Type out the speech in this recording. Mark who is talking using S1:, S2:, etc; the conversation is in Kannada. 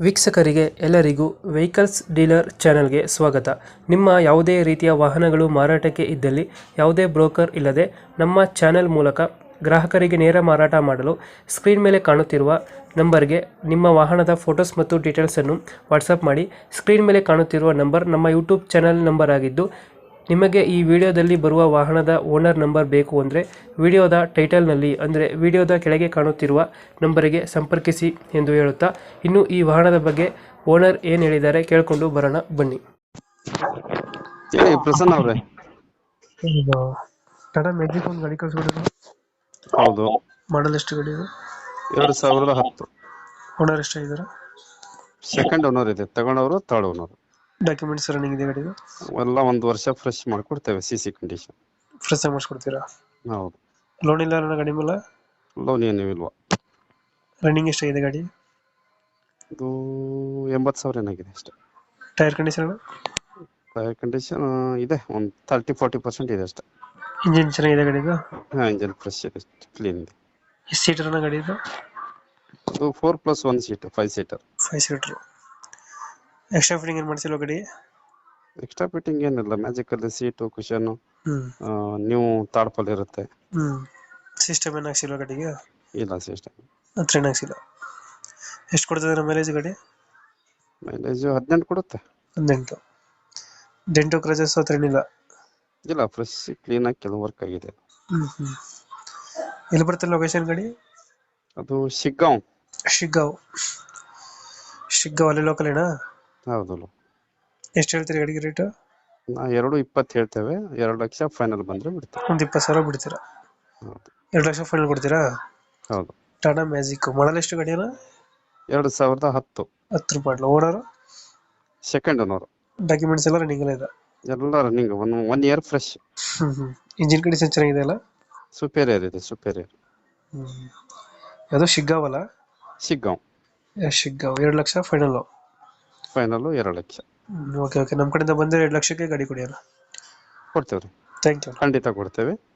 S1: ವೀಕ್ಷಕರಿಗೆ ಎಲ್ಲರಿಗೂ ವೆಹಿಕಲ್ಸ್ ಡೀಲರ್ ಚಾನೆಲ್ಗೆ ಸ್ವಾಗತ. ನಿಮ್ಮ ಯಾವುದೇ ರೀತಿಯ ವಾಹನಗಳು ಮಾರಾಟಕ್ಕೆ ಇದ್ದಲ್ಲಿ ಯಾವುದೇ ಬ್ರೋಕರ್ ಇಲ್ಲದೆ ನಮ್ಮ ಚಾನೆಲ್ ಮೂಲಕ ಗ್ರಾಹಕರಿಗೆ ನೇರ ಮಾರಾಟ ಮಾಡಲು ಸ್ಕ್ರೀನ್ ಮೇಲೆ ಕಾಣುತ್ತಿರುವ ನಂಬರ್ಗೆ ನಿಮ್ಮ ವಾಹನದ ಫೋಟೋಸ್ ಮತ್ತು ಡೀಟೇಲ್ಸನ್ನು ವಾಟ್ಸಪ್ ಮಾಡಿ. ಸ್ಕ್ರೀನ್ ಮೇಲೆ ಕಾಣುತ್ತಿರುವ ನಂಬರ್ ನಮ್ಮ ಯೂಟ್ಯೂಬ್ ಚಾನೆಲ್ ನಂಬರ್ ಆಗಿದ್ದು, ನಿಮಗೆ ಈ ವಿಡಿಯೋದಲ್ಲಿ ಬರುವ ವಾಹನದ ಓನರ್ ನಂಬರ್ ಬೇಕು ಅಂದರೆ ವಿಡಿಯೋದ ಟೈಟಲ್ನಲ್ಲಿ ಅಂದರೆ ವಿಡಿಯೋದ ಕೆಳಗೆ ಕಾಣುತ್ತಿರುವ ನಂಬರಿಗೆ ಸಂಪರ್ಕಿಸಿ ಎಂದು ಹೇಳುತ್ತಾ, ಇನ್ನು ಈ ವಾಹನದ ಬಗ್ಗೆ ಓನರ್ ಏನು ಹೇಳಿದ್ದಾರೆ ಕೇಳಿಕೊಂಡು ಬರೋಣ ಬನ್ನಿ.
S2: ಹೇಳಿ ಪ್ರಸನ್ನ ಅವ್ರೆ.
S1: ಟಾಟಾ ಮ್ಯಾಜಿಕ್ ಒಂದು ಗಾಡಿ ಕಳಿಸ್ಬಿಟ್ಟಿದ್ರು.
S2: ಹೌದು,
S1: ಮಾಡಲ್ ಎಷ್ಟು ಗಾಡಿ ಇದು?
S2: 2010
S1: ಓನರ್ ಎಷ್ಟಾಗಿದ್ದಾರೆ?
S2: ಸೆಕೆಂಡ್ ಓನರ್ ಇದೆ, ತಗೊಂಡವರು ಥರ್ಡ್ ಓನರ್.
S1: ಡಾಕ್ಯುಮೆಂಟ್ಸ್ ರನ್ನಿಂಗ್ ಇದೆ ಗಾಡಿದು?
S2: ಎಲ್ಲ ಒಂದು ವರ್ಷ ಫ್ರೆಶ್ ಮಾಡ್ಕೊಡ್ತೇವೆ, ಸಿಸಿ ಕಂಡೀಷನ್.
S1: ಫ್ರೆಶ್ ಆಗಿ ಮಾಡಿಸ್ಕೊಡ್ತೀರಾ?
S2: ಹೌದು.
S1: ಲೋನ್ ಇಲ್ಲ ನನ್ನ ಗಾಡಿ ಮೇಲೆ?
S2: ಲೋನ್ ಏನು ಇಲ್ವಾ.
S1: ರನ್ನಿಂಗ್ ಎಷ್ಟಾಗಿದೆ ಗಾಡಿ?
S2: ಇದು 80,000 ಏನಾಗಿದೆ ಅಷ್ಟೇ.
S1: Tyre condition?
S2: ಟೈರ್ ಕಂಡೀಷನ್ ಇದೆ, ಒಂದು 30-40% ಇದೆ ಅಷ್ಟೇ.
S1: ಇಂಜಿನ್ ಚೆನ್ನಾಗಿದೆ ಗಾಡಿದು?
S2: ಹಾ, ಇಂಜನ್ ಫ್ರೆಶ್ ಇದೆ, ಕ್ಲೀನ್ ಇದೆ.
S1: ಎಷ್ಟು ಸೀಟರ್ ಅನ್ನ ಗಾಡಿ ಇದು?
S2: ಇದು 4+1 seat, 5 seater.
S1: 5 seater. Extra fitting ಏನು ಮಾಡಿಸಿಲ್ವ ಗಾಡಿ?
S2: ಎಕ್ಸ್ಟ್ರಾ ಫಿಟ್ಟಿಂಗ್ ಏನಿಲ್ಲ, ಮ್ಯಾಜಿಕ್ ಅಲ್ಲಿ ಸೀಟು, ಕುಶನ್,
S1: ಹ್ಮ್
S2: ನೀವು ತಾಡ್ಪಲ್ ಇರುತ್ತೆ.
S1: ಸಿಸ್ಟಮ್ ಏನು ಹಾಕ್ಸಿಲ್ವ ಗಾಡಿಗೆ?
S2: ಇಲ್ಲ, ಸಿಸ್ಟಮ್
S1: ಹತ್ರ ಏನು ಹಾಕ್ಸಿಲ್ಲ. ಎಷ್ಟು ಕೊಡ್ತದೆ ಮೈಲೇಜ್ ಗಾಡಿ?
S2: ಮೈಲೇಜ್ 18 ಕೊಡುತ್ತೆ.
S1: 18. ಡೆಂಟು ಕ್ರಚಸ್ ಹತ್ರ ಏನಿಲ್ಲ?
S2: ಇಲ್ಲ, ಫ್ರೆಶ್ ಕ್ಲೀನ್ ಆಗಿ ಕೆಲವು ವರ್ಕ್ ಆಗಿದೆ.
S1: ಹ್ಮ್ ಎಲ್ಲಿ ಬರ್ತದೆ ಲೊಕೇಶನ್ ಗಾಡಿ?
S2: ಅದು ಶಿಗ್ಗಾಂವ್.
S1: ಶಿಗ್ಗಾಂವ್ ಅಲ್ಲಿ ಲೋಕಲ್ ಏನಾ?
S2: ಹೌದಲ್ಲ.
S1: ಎಷ್ಟು ಹೇಳ್ತೀರಿ ಗಾಡಿಗೆ ರೇಟ್?
S2: ನಾ 2.20 ಹೇಳ್ತೇವೆ, 2 ಲಕ್ಷ ಫೈನಲ್ ಬಂದ್ರೆ ಬಿಡ್ತೇವೆ.
S1: ಒಂದು 20,000 ಬಿಡ್ತೀರಾ?
S2: ಹೌದು.
S1: 2 ಲಕ್ಷ ಫೈನಲ್ ಕೊಡ್ತೀರಾ?
S2: ಹೌದು.
S1: ಟಾಟಾ ಮ್ಯಾಜಿಕ್ ಮಾಡಲ್ ಎಷ್ಟು ಗಾಡಿನ?
S2: 2010.
S1: 10 ಮಾಡಲು. ಓನರ್?
S2: Second owner.
S1: ಡಾಕ್ಯುಮೆಂಟ್ಸ್ ಎಲ್ಲ ರನ್ನಿಂಗ್ ಎಲ್ಲ ಇದೆ?
S2: ಎಲ್ಲ running, one year fresh.
S1: Engine condition ಚೆನ್ನಾಗಿದೆ ಅಲ್ಲ?
S2: ಸುಪೀರಿಯರ್ ಇದೆ, ಸುಪೀರಿಯರ್.
S1: ಅದು ಶಿಗ್ಗಾಂವ್ ಅಲ್ಲ?
S2: Shiggaon.
S1: Shiggaon. 2 lakh final?
S2: Final 2 lakh.
S1: Okay, ನಮ್ಮ ಕಡೆಯಿಂದ ಬಂದರೆ 2 ಲಕ್ಷಕ್ಕೆ ಗಾಡಿ ಕೊಡಿ ಅಲ್ಲ?
S2: ಕೊಡ್ತೇವ್ರಿ,
S1: ಥ್ಯಾಂಕ್ ಯು.
S2: ಖಂಡಿತ ಕೊಡ್ತೇವೆ.